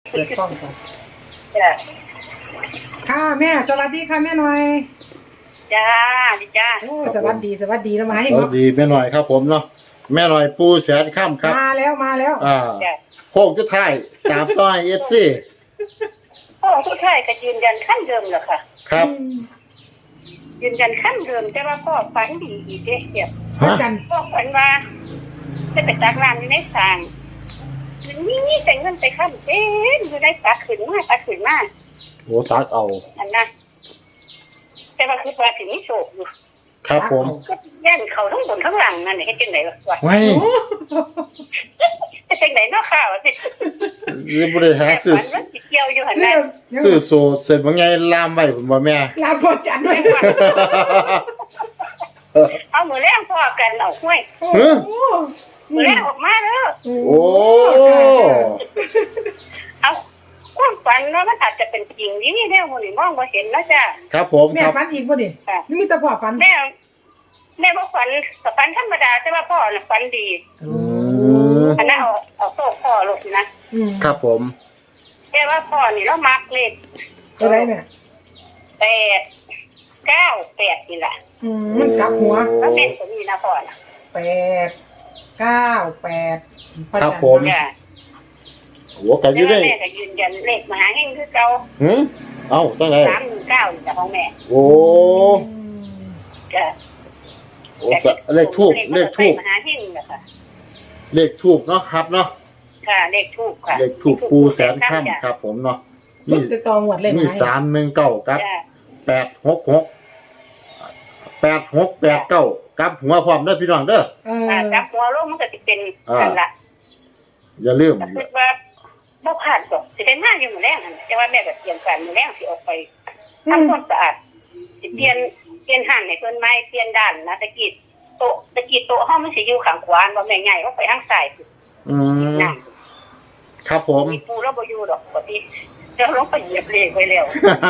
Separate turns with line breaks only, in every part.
เปิดกล้องก่อน
จ้า
ค่ะแม่สวัสดีค่ะแม่หน่อย
จ้าดีจ้า
โอ้สวัสดีแล้วมาให้
สวัสดีแม่หน่อยครับผมเนาะแม่หน่อยปูแสนข้ามครับ
มาแล้ว
จ้า
โค้งจุดท้ายตามต้อยFC
พ่อผู้ชายก็ยืนยันขั้นเดิมแหละค่ะ
ครับ
ยืนยันขั้นเดิมแต่ว่าพ่อฝันดีอีกเด้เนี่ย
พระ
ฮะ
จันทร์
พ่อฝันว่าจะไปตักน้ำอยู่ในสางนี่แต่เงินไปขั้นเต็มอยู่ได้ตักขึ้นมา
โอ้ตักเอา
อันนั้นแต่ว่าคือว่าถึงนี่โศกอยู่
ครับผม
ก็แย่นเขาทั้งบนทั้งหลังนั่นให้จังไหนวะ
ไว้
จะจังไหนเนาะข่าวสิ
รีบริหารซื้อ
ฝันว่าสิเกี่ยวอยู่หัน
เสื้
นั้
อน
ซื้อโซเสร็จว่าไงลามไว้ผมว่าแม่
ลาพระจันทร์ด้วย
เอามือแรงพ่อกันเอาห้วย
โอ้
ฮะ
โห
มือแรงออกมาเด้อ
โอ้
เอาความฝันเนาะมันอาจจะเป็นจริงนี่แนวมันนี่มองบ่เห็นนะจ้ะ
ครับผม
แม่
ครับ
ฝันอีกบ่ดิ
ค่ะ
นี่มีแต่พ่อฝัน
แม่บ่ฝันแต่ฝันธรรมดาแต่ว่าพ่อน่ะฝันดี
อืม
อันนั้นเอาโซ่พ่อลูกนะ
ครับผม
แต่ว่าพ่อนี่เรามักเลข
อะไรแม่
8 9 8นี่แหละ
มันกลับหัว
แล้วเป็นตัวนี้นะพ่อน่ะ
8 9 8พระจันทร์
ผม
จ้ะ
โอ้กันอ
แต่
ยู่
ว่า
ได้
แม่ก็ยืนยันเลขมหาเฮงคือเก่า
หืมเอ้าตั้งไหน
319นี่จ้ะของแม่
โอ้
จ้ะ
โอ้สะเลขทูบเลขทูบ
มหาเฮงนะคะ
เลขทูบเนาะครับเนาะ
ค่ะเลขทูบค่ะ
เลขทูบปูแสนข้ามครับผมเนาะ
มันจะตองหวัดเลย
มี
ไหม
319ครับ
จ้ะ
866 8689กลับหัวพร้อมเด้อพี่น้องเด้อ
จับหัวลงมันก็สิเป็นกันละ
อย่าลืม
แต่คิดว่าบ่ผ่านดอกสิได้มาอยู่มื้อแรงนั่นแต่ว่าแม่ก็เตรียมการมื้อแรงสิออกไปทำความสะอาดสิเปลี่ยนห้างให้เพิ่นใหม่เปลี่ยนด้านนะตะกี้โต๊ะเฮามันสิอยู่ข้างขวาบ่แม่นใหญ่ออกไปทางซ้าย
อืม
นั่น
ครับผม
มีปูเราบ่อยู่ดอกปกติจะลงไปเหยียบเลขไว้แล้ว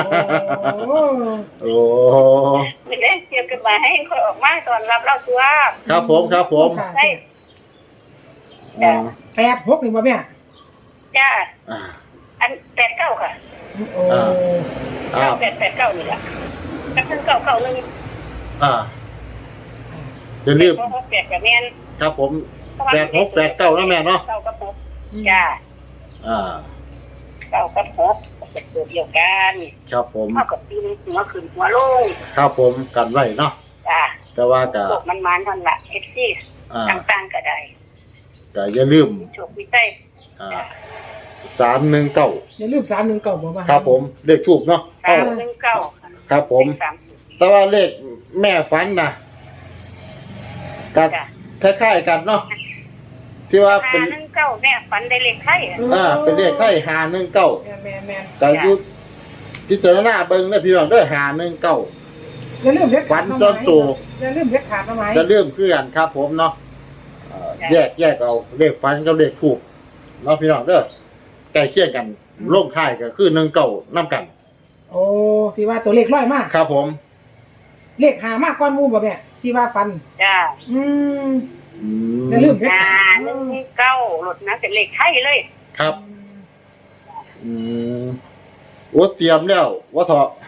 โอ้
โอ้
มื้อแรงเตรียมกันมาให้ค่อยออกมาตอนรับเราตัว
ครับผมครับผม
ได้
อ่า
8 6นี่บ่แม่
จ้า
อ่า
อัน89ค่ะ
โอ้
อ่า
889นี่ล่ะกับเพิ่น991
อ่าอย่าลืม
668ก็แม่น
ครับผม8689นะแม่เนาะ
เก้ากับหกจ้า
อ่า
เก้ากับหกเป็นตัวเดียวกัน
ครับผม
เท่ากับปีนหัวขึ้นหัวลง
ครับผมกันไว้เนาะ
จ้า
แต่ว่าก็
โลกมันมันทันละเอฟซี
อ่า
ต่างๆก็ได้
ก็อย่าลืม
โชควิจัย
อ่า319
อย่าลืม319บ่มา
ครับผมเลขทูบเนาะ
319
ครับผม
สาม
แต่ว่าเลขแม่ฝันนะกั
จ้า
คล้ายๆกันเนาะที่ว่าเป็น
519แม่ฝันได้เลขไทย
เป็นเลขไทย519
แม่น
ก็อยู่พิจารณาเบิ่งนะพี่น้องเด้อ519
อย่าลืมเล็ก
ฝันจนตัว
อย่าลืมเล็กขาดมาไหม
จะเริ่มคือกันครับผมเนาะแยกเอาเลขฝันกับเลขถูกเนาะพี่น้องเด้อใกล้เคียงกันลงท้ายก็คือ19นำกัน
โอ้ที่ว่าตัวเลขร้อยมาก
ครับผม
เลขหามากก้อนหมูบ่แม่ที่ว่าฟัน
จ้า
อืม
อื
อย่าลืมเล็กขาด
519รถนะเป็นเลขไทยเลย
ครับอืมโอ้เตรียมแล้วว่าเถาะ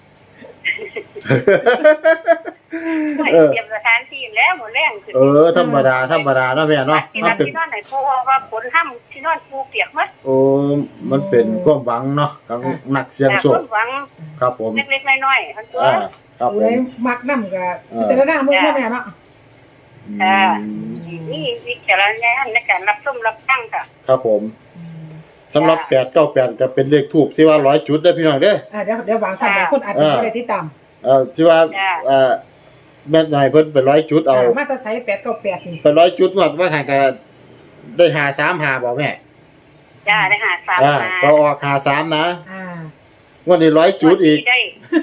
เตรียมสถานที่แล้วหมดแรงขึ้น
ธรรมดาเนาะแม่เนาะ
ที่
มัน
นั่น
เป็น
ที่นอนไหนเพราะว่าฝนห้ำที่นอนปูเปียกมั้ย
โอ้มันเป็นความหวังเนาะของนักเสี่ยงโชค
หวัง
ครับผม
เล็กๆน้อยๆทั้งตัว
ครับผ
เลย
ม
มักน้ำกับพิจารณาเมื่อแม่เนาะ
นี่วิจารณญาณในการรับชมรับฟังค่ะ
ครับผมสำหรับ898ก็เป็นเลขทูบที่ว่า100จุดเด้อพี่น้องเด้อ
เดี๋ยววางท่านบางคนอาจจะไม่ได้ติดตาม
ที่ว่าแม่นายเพิ่นไป100จุดเอา
มาตราไซ898นี่
ไป100จุดว่าห่างกันได้53บ่แม่
จ้าได้หาสาม
ก็ออก53นะ
อ่า
วันนี้100จุดอีก
ได้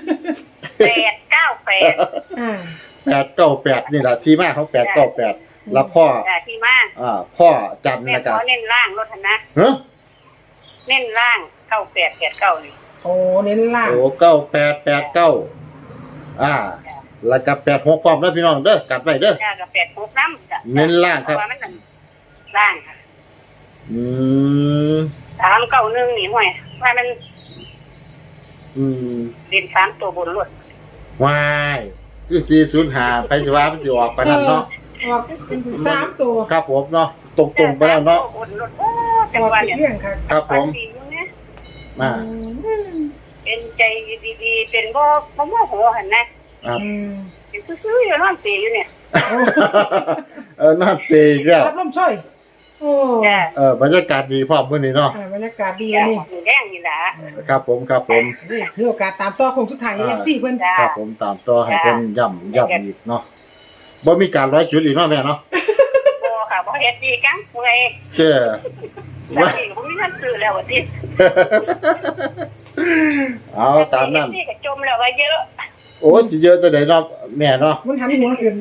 898
898นี่ล่ะที่มาของ898แล้วพ่อ
ที่มา
พ่อจำ
แม่
นะ
ข
จ๊ะ
อเน้นล่างรถนะ
ฮะ
เน้นล่าง9889นี่
โอ้เน้นล่าง
โอ้9889แล้วก็86พร้อมเด้อพี่น้องเด้อกัดไว้เด้อ
จ้ากับ86นำจ้ะ
เน้นล่างครับ
เพราะว่ามันล่างค่ะ
อืม
391นี่ห่วยว่ามัน
อืม
เป็น3ตัวบนรถ
วายคือ405ไปสิว่ามันสิออกปานนั้นเนาะ
ออกสามตัว
ครับผมเนาะตรงๆไปแล้วเนาะ
บนรถโอ้จัง
ออก
หวะเนี่ย
เรื่องค่ะ
ครับผม
ฝันดีอยู่นะ
มา
เป็นใจดีๆเป็นบ่โมโหหั่นนะครับ เป็นซื่อๆอยู่นอนเปรอยู่เนี่ย
น่าเตะอีกแล้ว
รับลมช่วยโอ้
จ้ะ
บรรยากาศดีพร้อมมื้อนี้เนาะ
บรรยากาศดี
จ้ะ
นี่
หมูแดงนี่ล่ะ
ครับผมครับผม
นี่ถือโอกาสตามต่อคงสุดท้ายเอฟซีเพิ่น
จ้ะ
ครับผมตามต่อให้เพิ่นย่ำอีกเนาะบ่มีการร้อยจุดอีกเนาะแม่เนาะ
บ่ค่ะบ่เฮ็ดดีกังเมื่อย
เจ้
แล้วนี่บ่มีเงินซื้อแล้วว่าติ
เอาตามนั้น
นี่ก็จมแล้วว่าเยอะ
โอ้สิเยอะตัวใดเนาะแม่เนาะ
มันหันหัวขึ้น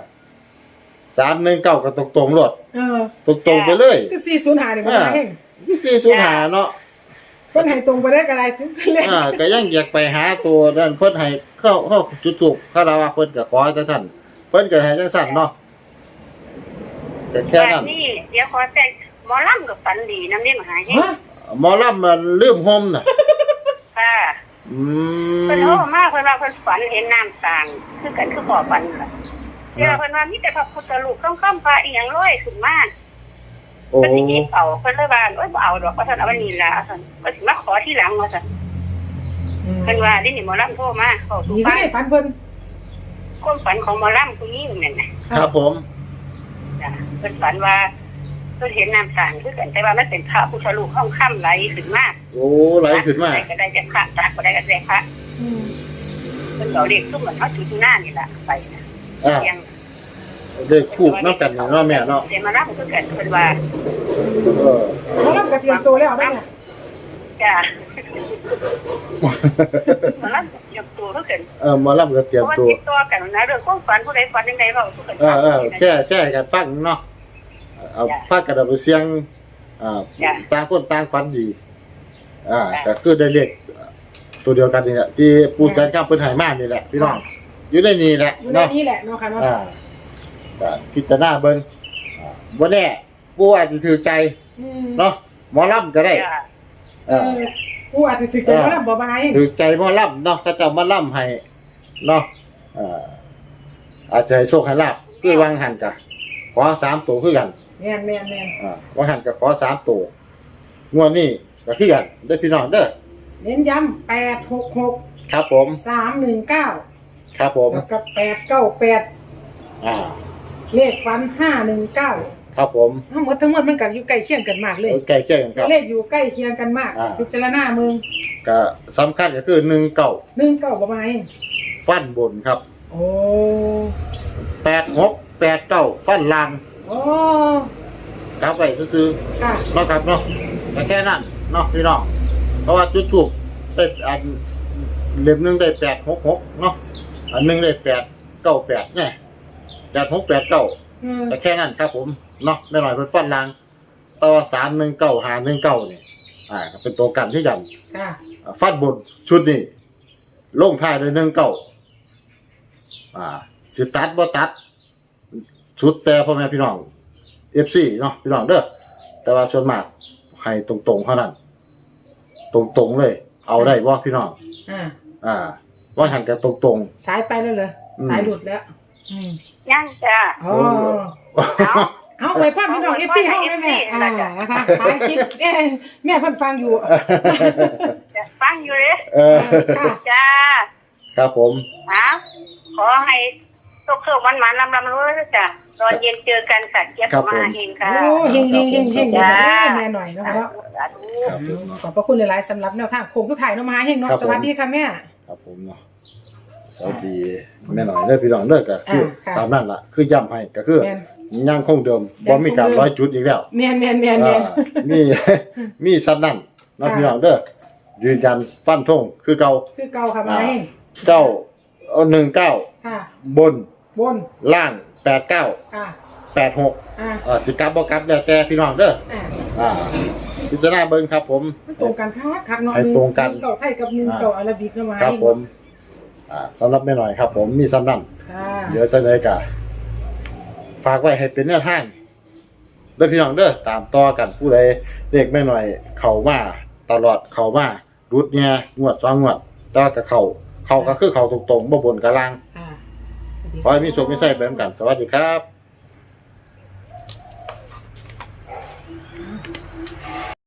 319ก็ตรงๆโลด
เออ
ตรงๆไปเลย
คือ405นี่บ่มาแห้ง
405เนาะ
เพิ่นให้ตรงไปได้ก็ได้ถึงเล่น
ก็ยังอยากไปหาตัวนั่นเพิ่นให้เข้าจุดถูกคาราวะเพิ่นก็ขอจังซั่นเพิ่นก็ให้จังซั่นเนาะแต่แค่นั้น
นี่เดี๋ยวขอแต่หมอลำกับฝันดีนำนี่มาหาให้
ฮะ
หมอลำมันลืมห่มน่ะ
ค่ะ
อื
เพิ่น
ม
โทรมาเพิ่นว่าเพิ่นฝันเห็นน้ำสางคือกันคือพ่อฝันค่ะเดี๋ยวเพิ่นว่ามีแต่พระพุทธรูปค่ำๆพระอีหยังลอยขึ้นมา
โอ้
เพิ่นสิหยิบเอาเพิ่นเลยว่าโอ๊ยบ่เอาดอกว่าซั่นเอาไว้นี่ล่ะซั่นเพิ่นสิมาขอทีหลังว่าซั่นเพิ่นว่านี่หมอลำโทรมาเข้าสู่
นี่ก็
บ้าน
ได้ฝันเพิ่น
ความฝันของหมอลำผู้หญิงนั่นน่ะ
ครับผม
จ้ะเพิ่นฝันว่าเพิ่นเห็นน้ำสางคือกันแต่ว่ามันเป็นพระพุทธรูปห้องค่ำไหลขึ้นมา
โอ้ไหลขึ้นมา
ได้ก็ได้จากพระจากก็ได้ก็ได้พระ
อืม
เพิ่นเอาเด็กซุ่มเหมือนเขาจุดหน้านี่ล่ะไปนะ
อ่า
ยัง
ได้คู่นำกันเนาะแม่เนาะ
เดี๋ยวมารับคือกันเพิ่นว่า
เออ
เขารับกระเตรียมตัวแล้วได้ไง
จ้ะมารับยกตัวคือกัน
หมอลำก็เตรียม
เพราะว่า
ตัว
ติดต่อกันนะเรื่องความฝันผู้ใดฝันจังไดเว้าสู่กัน
แช่กันฟังเนาะเอาพากันเอาไปเสียงต่างคนต่างฝันดีก็คือได้เลขตัวเดียวกันนี่แหละที่ปูแสนข้ามเพิ่นให้มานี่แหละพี่น้องอยู่ในนี่แหละ
อยู่ใน
เนาะ
นี้แหละเนาะค่ะเนาะ
ก็พิจารณาเบิ่งบ่แน่ปูอาจสิถือใจ
อืม
เนาะหมอลำก็ได้
จ้ะ
กูอาจจะถึงจะมารับบ่มาให้
ถือใจหมอลำเนาะเขาจะมาลำให้เนาะอาจจะให้โชคให้ลาบคือวางหันกะขอ3ตัวคือกัน
แม่นแม่นแม่น
วางหันกะขอ3ตัวงวดนี้ก็คือกันเด้อพี่น้องเด้อ
เน้นย้ำ866
ครับผม
319
ครับผม
แล้วก็898 เลขฟัน519
ครับผม
ทั้งหมดมันก็อยู่ใกล้เคียงกันมากเลย
ใกล้เคียงกันครับ
เลขอยู่ใกล้เคียงกันมากพิจารณามึง
ก็สำคัญก็คือ19
19บ่มาให้
ฟันบนครับ
โอ้
86 89ฟันล่าง
โอ้
กลับไว้ซื่อ
ค่ะ
ๆเนาะครับเนาะแค่นั้นเนาะพี่น้องเพราะว่าจุดถูกได้อันเล่มหนึงได้866เนาะอันหนึงได้898เนี่ย8689
อืม
แต่แค่นั้นครับผมเนาะไม่หน่อยเป็นฟันลางต่อ319 519นี่ก็เป็นตัวกันที่ยัน
ค่ะ
ฟันบนชุดนี้ลงท้ายด้วย19สิตัดบ่ตัด ชุดแต่พ่อแม่พี่น้อง FC เนาะพี่น้องเด้อแต่ว่าส่วนมากให้ตรงๆเท่านั้น ตรงๆเลย เอาได้บ่พี่น้อง ว่าหันกันตรง
สายไปแล้วเหรอ
อืม
สายหลุดแล้ว
ยังจ้ะ
อ๋อ
เอา
เอาไว้พ่อพี่น้อง FC ห้องได้แม่นะคะท้ายคลิปแม่เพิ่นฟังอยู่
จะฟังอยู่เลย
ค่ะ
จ้า
ครับผม
ขอให้ตกเขิบมันๆลำๆรู้นะจ้ะตอนเย็นเจอกันค่ะเจี๊ยบมาเองค่ะ
โอ้เฮงแม่หน่อยเนาะ
ครับผม
ขอบพระคุณหลายๆสำหรับแนวทางโค้งทุกถ่ายเนาะมาเฮงเนาะสวัสดีค่ะแม่
ครับผมเนาะสวัสดีแม่หน่อยเด้อพี่น้องเด้อก็คือ
ค่ะ
ตามนั้นล่ะคือย้ำให้ก็คือ
แม่น
ยังคงเดิมบ่มีการร้อยจุดอีกแล้ว
แม่น
มี มีซับนั่นเนาะพี่น้องเด้อยืนยันฟันธงคือเก่า
คือเก่าค่ะมาเฮง
19
ค่ะ
บน
บน
ล่าง89
ค่ะ
86สิกลับบ่กลับแล้วแต่พี่น้องเด้อพิจารณาเบิ่งครับผม
มันตรงกันคักเนาะ
ให้ตรงกัน
เก่าไทยกับ1เก่าอาราบิกเนาะมา
ครับผมสำหรับแม่หน่อยครับผมมีซ้ำนั่น
ค่ะ
เดี๋ยวจะได้กะฝากไว้ให้เป็นแนวทางเด้อพี่น้องเด้อตามต่อกันผู้ใดเลขแม่หน่อยเข้ามาตลอดเข้ามารุดเนี่ยงวด2งวดแต่ว่าก็เข้าก็คือเข้าตรงๆบ่บนกะล่าง
ค่ะ
ขอให้มีโชคมีชัยไปนำกันสวัสดีครับ